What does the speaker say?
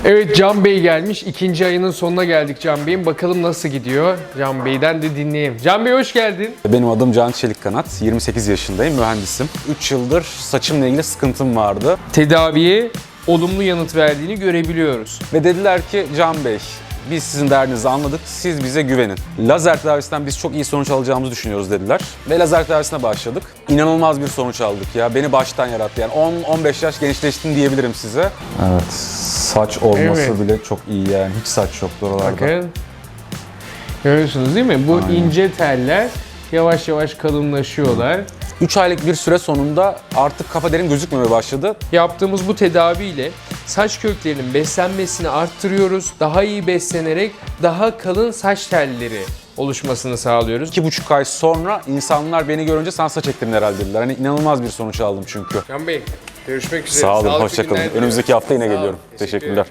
Evet, Can Bey gelmiş. 2. ayının sonuna geldik Can Bey'in. Bakalım nasıl gidiyor? Can Bey'den de dinleyelim. Can Bey hoş geldin. Benim adım Can Çelikkanat, 28 yaşındayım, mühendisim. 3 yıldır saçımla ilgili sıkıntım vardı. Tedaviye olumlu yanıt verdiğini görebiliyoruz. Ve dediler ki Can Bey, biz sizin derdinizi anladık, siz bize güvenin. Lazer tedavisinden biz çok iyi sonuç alacağımızı düşünüyoruz dediler. Ve lazer tedavisine başladık. İnanılmaz bir sonuç aldık ya, beni baştan yarattı. Yani 10-15 yaş gençleştim diyebilirim size. Evet, saç olması Evet. bile çok iyi yani, hiç saç yoktu oralarda. Bakın. Görüyorsunuz değil mi? Bu ince teller yavaş yavaş kalınlaşıyorlar. 3 aylık bir süre sonunda artık kafa derin gözükmemeye başladı. Yaptığımız bu tedaviyle saç köklerinin beslenmesini arttırıyoruz. Daha iyi beslenerek daha kalın saç telleri oluşmasını sağlıyoruz. 2,5 ay sonra insanlar beni görünce sen saç ektirin herhalde dediler. Hani inanılmaz bir sonuç aldım çünkü. Can Bey, görüşmek üzere. Sağ olun, Sağlıklı hoşça kalın. günler Önümüzdeki hafta yine diliyorum. Sağ olun, geliyorum. teşekkür Teşekkürler.